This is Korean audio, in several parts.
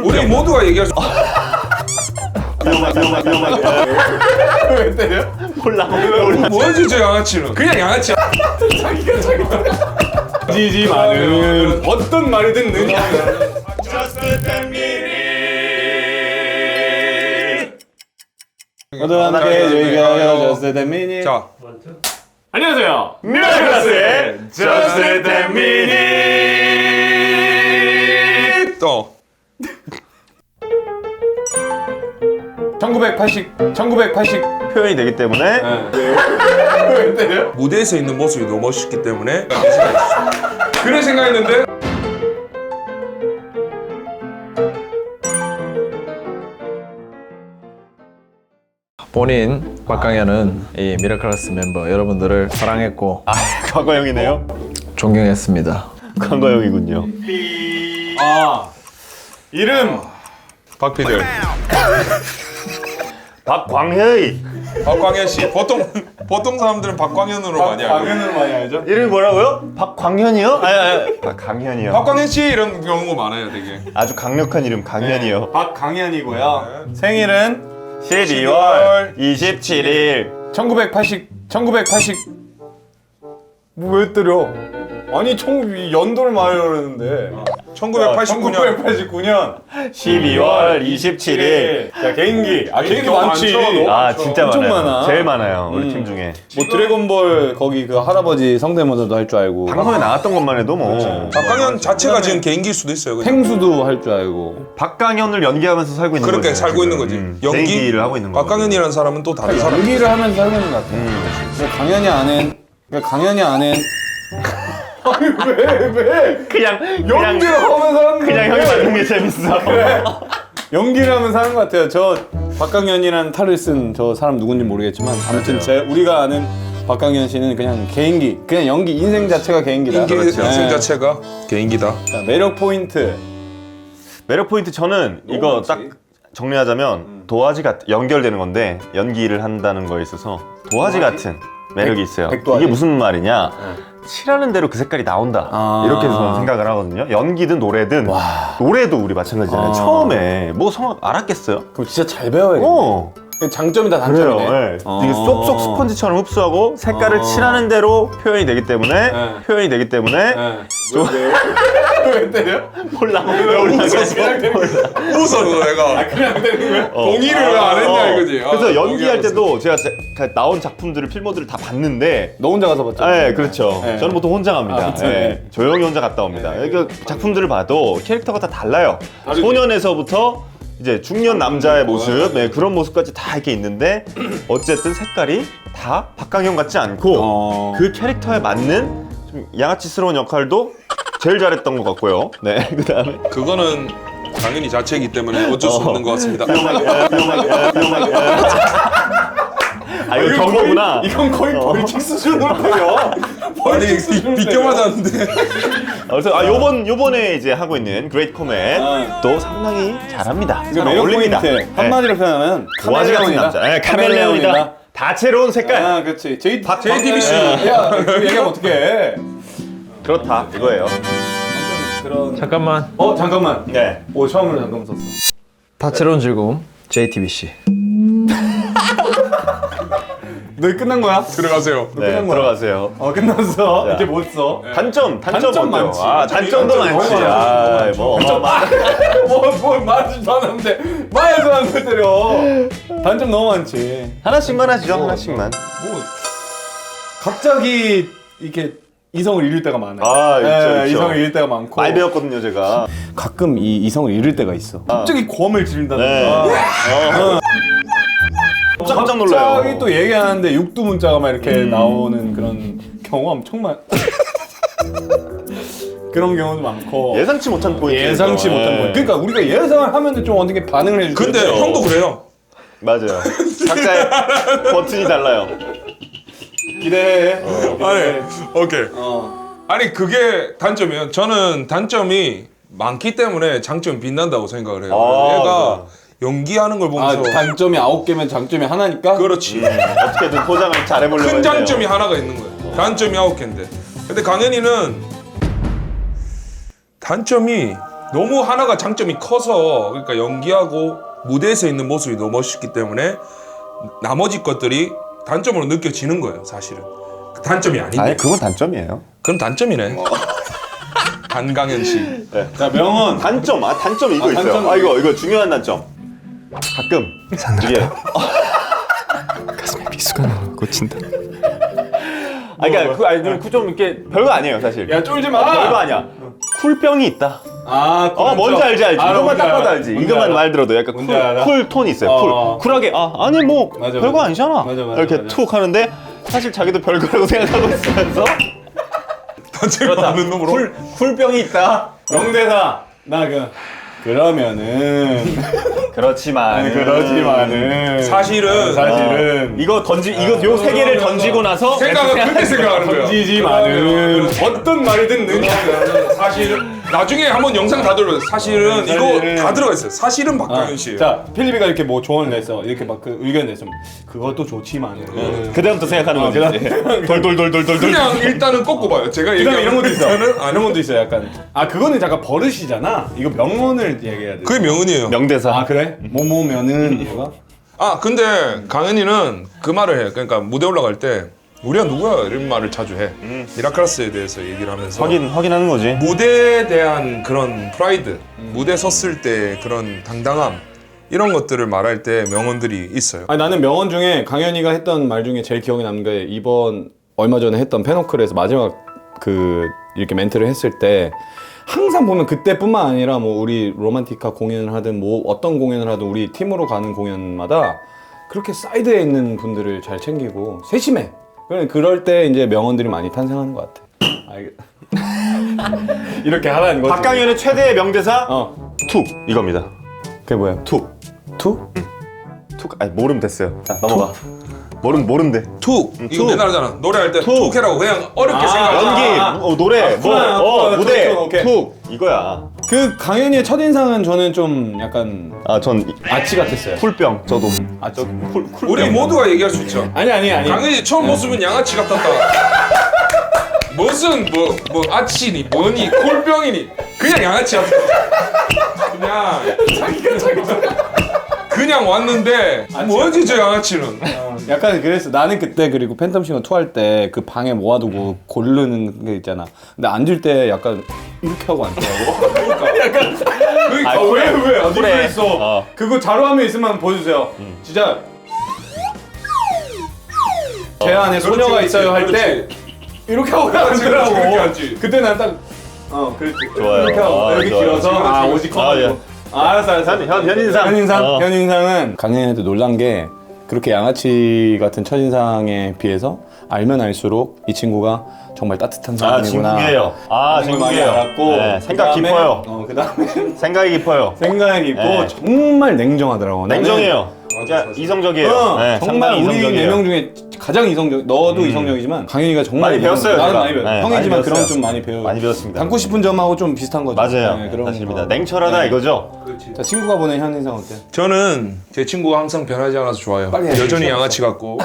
우리 모두가 얘기할 수. 왜 때려? 몰라. 뭐지 저 양아치는? 그냥 양아치야. 자기가 지지만은 어떤 말이 듣느냐. 모두 함께 저희가 Just a minute. 자, 안녕하세요. 미라클라스의 Just a minute. 또 1980 표현이 되기 때문에 왜 때려? 무대에서 있는 모습이 너무 멋있기 때문에 그런 생각했는데. 본인 박강현은 이 미라클라스 멤버 여러분들을 사랑했고 과거형이네요. 존경했습니다. 과거형이군요. 아 이름 박피들, 박광현이 박광현 씨. 보통 사람들은 박광현으로 많이 알고. 강연을 많이 알죠? 이름이 뭐라고요? 박광현이요? 아니. 박강현이요. 박광현 씨 이런 경우가 많아요, 되게. 아주 강력한 이름 강현이요. 박강현이고요. 생일은 12월 27일. 1980 뭐 왜 때려? 아니 연도를 말하려고 했는데 1989년. 1989년 12월 27일. 자 개인기 개인기 너무 많지. 많죠, 너무. 아 진짜 엄청 많아요. 많아. 제일 많아요. 우리 팀 중에. 뭐 드래곤볼 거기 그 할아버지 성대모사도 할 줄 알고 방송에 나왔던 것만 해도 뭐. 박광현 자체가 지금 개인기일 수도 있어요. 그죠? 탱수도 할 줄 알고 박강현을 연기하면서 살고 있는 그렇게 거죠. 살고 지금. 있는 거지. 연기를 하고 있는 거죠. 박광현이라는 사람은 또 다른 사람. 연기를 하면서 살고 있는 것 같아. 뭐 강연이 안해 아니 왜 그냥 연기를 하면서 하는 그냥 형이 만든 게 재밌어. 연기를 하면서 하는 것 같아요. 저 박강현이라는 탈을 쓴 저 사람 누군지 모르겠지만 아무튼 우리가 아는 박강현 씨는 그냥 개인기, 그냥 연기 인생 자체가 개인기다. 인생 네. 자체가 개인기다. 자, 매력 포인트. 매력 포인트 저는 이거 딱 정리하자면 도화지 같은 연결되는 건데 연기를 한다는 거에 있어서 도화지 같은 매력이 있어요. 백도화지. 이게 무슨 말이냐? 칠하는 대로 그 색깔이 나온다. 이렇게 저는 생각을 하거든요. 연기든 노래든 노래도 우리 마찬가지잖아요. 처음에 뭐 성악 알았겠어요? 그럼 진짜 잘 배워야겠네. 장점이다 그래요. 단점이네. 네. 이게 쏙쏙 스펀지처럼 흡수하고 색깔을 칠하는 대로 표현이 되기 때문에 왜 때려? 몰라. 웃어 내가. 그냥 때리는 거야? 동의를 왜 안 했냐 이거지. 그래서 연기할 때도 제가 나온 작품들을 필모들을 다 봤는데 너 혼자 가서 봤죠? 네, 그렇죠. 네. 저는 보통 혼자 갑니다. 그쵸. 네, 조용히 혼자 갔다 옵니다. 그러니까 작품들을 봐도 캐릭터가 다 달라요. 소년에서부터 이제 중년 남자의 모습, 네, 그런 모습까지 다 이렇게 있는데 어쨌든 색깔이 다 박강현 같지 않고 그 캐릭터에 맞는 좀 양아치스러운 역할도 제일 잘했던 것 같고요. 네, 그다음에 그거는 당연히 자체이기 때문에 어쩔 수 없는 것 같습니다. 아 이거 경고구나. 이건 거의 벌칙 수준으로 때려. 아니 비껴 맞았는데. 그래서 요번에 이제 하고 있는 그레이트 코멧도 상당히 잘합니다. 이거 매력 어울립니다. 포인트 한마디로 표현하면 도화지 같은 남자. 네, 카멜레온이다. 다채로운 색깔. 아, 그렇지. JTBC. 야, 그 얘기하면 어떡해. 그렇다 이거예요. 그런. 잠깐만. 잠깐만. 네. 오, 처음으로 잠깐 썼어. 다채로운 즐거움 JTBC. 너 끝난 거야? 들어가세요. 네, 끝난 거야? 들어가세요. 끝났어. 이제 못 써. 단점 단점 어때요? 많지. 아, 단점도 단점 많지. 너무 아, 뭐 뭘 말하지도 않았는데 말도 안 돼 때려. 단점 너무 많지. 하나씩만 하시죠. 하나씩만. 갑자기 이렇게 이성을 잃을 때가 많아요. 아, 있죠, 있죠. 이성을 잃을 때가 많고. 많이 배웠거든요, 제가. 가끔 이 이성을 잃을 때가 있어. 갑자기 고함을 지른다든가. 네. 깜짝 놀라요. 갑자기 또 얘기하는데 육두 문자가 막 이렇게 나오는 그런 경우가 엄청 많. 그런 경우도 많고. 예상치 못한 포인트. 예상치 못한 포인트. 그러니까 우리가 예상을 하면 좀 어떻게 반응을 해주죠. 근데 형도 그래요. 맞아요. 각자의 버튼이 달라요. 기대해. 아니 오케이. 아니 그게 단점이에요. 저는 단점이 많기 때문에 장점이 빛난다고 생각을 해요. 얘가 연기하는 걸 보면서 단점이 9개면 장점이 하나니까? 그렇지. 어떻게든 포장을 잘해보려고 큰 했네요. 장점이 하나가 있는 거예요. 단점이 9개인데. 근데 강현이는 단점이 너무 하나가 장점이 커서 그러니까 연기하고 무대에서 있는 모습이 너무 멋있기 때문에 나머지 것들이 단점으로 느껴지는 거예요. 사실은 단점이 아닌데. 아니 그건 단점이에요. 그럼 단점이네. 한강현 씨. 자 명언. 단점 단점 이거 있어요. 단점. 이거 중요한 단점. 가끔 이게 가슴에 미수가 나와 꽂힌다. 그러니까 좀 이렇게 별거 아니에요 사실. 야 쫄지 마. 별거 아니야. 쿨병이 있다. 그렇죠. 뭔지 알지. 이것만 뭔지 딱 봐도 알아. 알지. 뭔지 이것만 알아. 말 들어도 약간 뭔지 알아. 쿨 톤이 있어요. 어. 쿨하게 아니 뭐 맞아, 별거 맞아. 아니잖아. 맞아, 이렇게 맞아. 툭 하는데 사실 자기도 별거라고 생각하고 있으면서 단점이 많은 놈으로. 쿨병이 있다. 명대사. 그러면은 그렇지만은 사실은 이거 요 세 개를 던지고 나서 생각은 그렇게 생각하는 거야. 던지지만은 어떤 말이든 는 사실은 나중에 한번 영상 다 들어요. 사실은 이거 다 들어가 있어요. 사실은 박강현 씨예요. 자 필리비가 이렇게 뭐 조언을 냈어. 이렇게 막 그 의견 냈으면 그것도 좋지만은 그다음부터 생각하는 거지. 돌돌돌돌돌돌. 그냥 일단은 꺾고 봐요. 제가 그다음에 이런 것도 있어. 일단은 이런 것도 있어. 약간 그거는 잠깐 버릇이잖아. 이거 명언을 얘기해야 돼. 그게 명언이에요. 명대사. 그래? 뭐뭐면은 이거가? 근데 강현이는 그 말을 해요. 그러니까 무대 올라갈 때 우리가 누구야 이런 말을 자주 해. 미라클라스에 대해서 얘기를 하면서 확인하는 거지. 무대에 대한 그런 프라이드, 무대 섰을 때 그런 당당함 이런 것들을 말할 때 명언들이 있어요. 나는 명언 중에 강현이가 했던 말 중에 제일 기억에 남는 게 이번 얼마 전에 했던 페노클에서 마지막 이렇게 멘트를 했을 때 항상 보면 그때뿐만 아니라 뭐 우리 로만티카 공연을 하든 뭐 어떤 공연을 하든 우리 팀으로 가는 공연마다 그렇게 사이드에 있는 분들을 잘 챙기고 세심해. 그럴 때 이제 명언들이 많이 탄생하는 것 같아. 이렇게 하라는 거지. 박강현의 최대의 명대사 툭 이겁니다. 그게 뭐야? 툭. 투? 툭. 모르면 됐어요. 자 넘어가. 모르면 돼. 툭! 이거 툭. 맨날 하잖아. 노래할 때 툭. 툭해라고 그냥 어렵게 생각하지. 연기, 노래, 무대, 오케이. 툭 이거야. 그 강현이의 첫인상은 저는 좀 약간 전 아치 같았어요. 쿨병 저도. 쿨 우리 모두가 얘기할 수 있죠. 아니. 강현이 처음 모습은 양아치 같았다. 무슨 뭐 아치니 뭐니 콜병이니 그냥 양아치 같아. 그냥 왔는데 뭐지 저 양아치는. 약간 그랬어. 나는 그때 그리고 팬텀싱어 투할 때 그 방에 모아두고 고르는 게 있잖아. 근데 앉을 때 약간 이렇게 하고 앉더라고. 그러니까 왜 어디 그래. 있어? 그거 자료화면 있으면 한번 보여주세요. 진짜 제 안에 소녀가 그렇지, 있어요 할 때 그렇지. 이렇게 하고 그렇지, 그렇게 앉더라고. 앉지. 그때 난 딱 그렇지. 좋아요. 이렇게 하고 여기 좋아요. 길어서 오직 커가지고. 알았어. 현인상은 강현이한테 놀란 게 그렇게 양아치 같은 첫인상에 비해서 알면 알수록 이 친구가 정말 따뜻한 사람이구나. 진국이에요. 정말 많이 진국이에요. 알았고 네, 생각 그다음에, 깊어요. 그다음에 생각이 깊어요. 생각이 깊고 네. 정말 냉정하더라고. 냉정해요. 진짜 이성적이에요. 정말 상당히 우리 이성적이에요. 4명 중에 가장 이성적. 너도 이성적이지만 강현이가 정말 많이 배웠어요, 나는 제가. 많이 배웠어. 네, 형이지만 많이 그런 배웠어요. 좀 많이 배워. 많이 배웠습니다. 닮고 싶은 점하고 좀 비슷한 거죠. 맞아요. 네, 그런 사실입니다. 거. 냉철하다 이거죠. 자 친구가 보낸 현인상 어때? 저는 제 친구가 항상 변하지 않아서 좋아요. 빨리 여전히 해주세요. 양아치 같고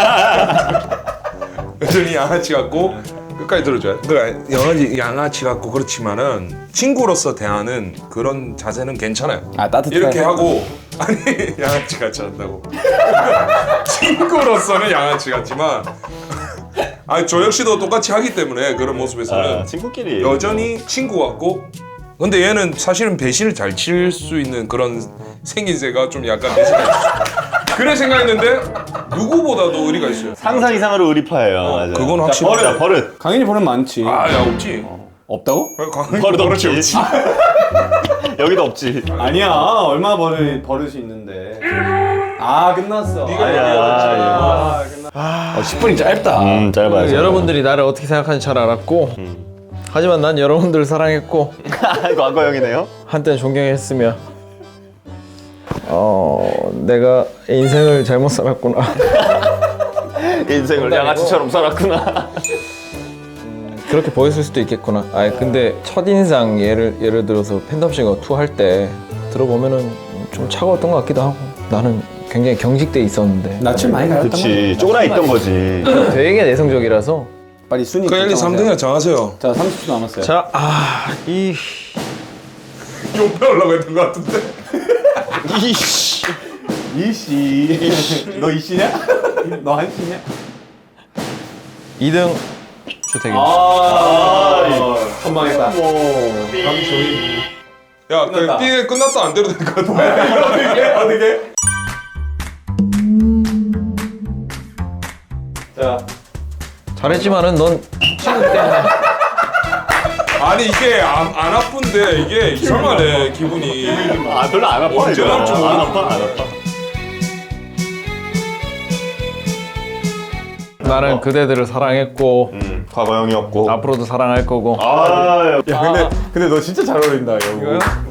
여전히 양아치 같고 끝까지 들어줘요. 그러니까 양아치 같고 그렇지만은 친구로서 대하는 그런 자세는 괜찮아요. 따뜻하게. 이렇게 하고 아니 양아치 같지 않다고. 친구로서는 양아치 같지만 저 역시도 똑같이 하기 때문에 그런 모습에서는 친구끼리 여전히 친구 같고. 근데 얘는 사실은 배신을 잘 칠 수 있는 그런 생긴새가 좀 약간 배신을 그래 생각했는데 누구보다도 의리가 있어요. 상상 이상으로 의리파예요. 맞아요. 그건 확실히. 자, 버릇. 강현이 버릇 많지. 야 없지. 없다고? 버릇 없지. 여기도 없지. 아니야. 얼마 버릇이 있는데. 끝났어. 아니야. 끝났어. 10분이 짧다. 짧아요. 여러분들이 나를 어떻게 생각하는지 잘 알았고 하지만 난 여러분들을 사랑했고 과거형이네요. 한때는 존경했으며 내가 인생을 잘못 살았구나. 인생을 양아치처럼 살았구나. 그렇게 보였을 수도 있겠구나. 근데 첫인상 예를 들어서 팬덤싱어 2 할 때 들어보면은 좀 차가웠던 것 같기도 하고 나는 굉장히 경직돼 있었는데 낯을 많이 가렸단 그렇지. 쪼그라 있던 거지. 되게 내성적이라서 빨리 순위. 그 1, 2, 3등이나 정하세요. 자 30초 남았어요. 자, 옆에 올라갔던 것 같은데. 이씨. 이씨. 너 이씨냐? 너 한씨냐? 2등 주택입니다. 선망했다. 야, 그 끝났다. 띠에 끝났다 안 돼도 될 것 같은데. 어떻게? 자, 잘했지만은 넌 친구 때문에 아니 이게 안 아픈데 이게 이상하네 기분이. 아 별로 안 아파. 언제 이거. 나올지 안 모르겠어. 아파 안 아파. 나는 그대들을 사랑했고 과거 형이었고. 앞으로도 사랑할 거고. 아, 야 근데 너 진짜 잘 어울린다 여우. 이거요?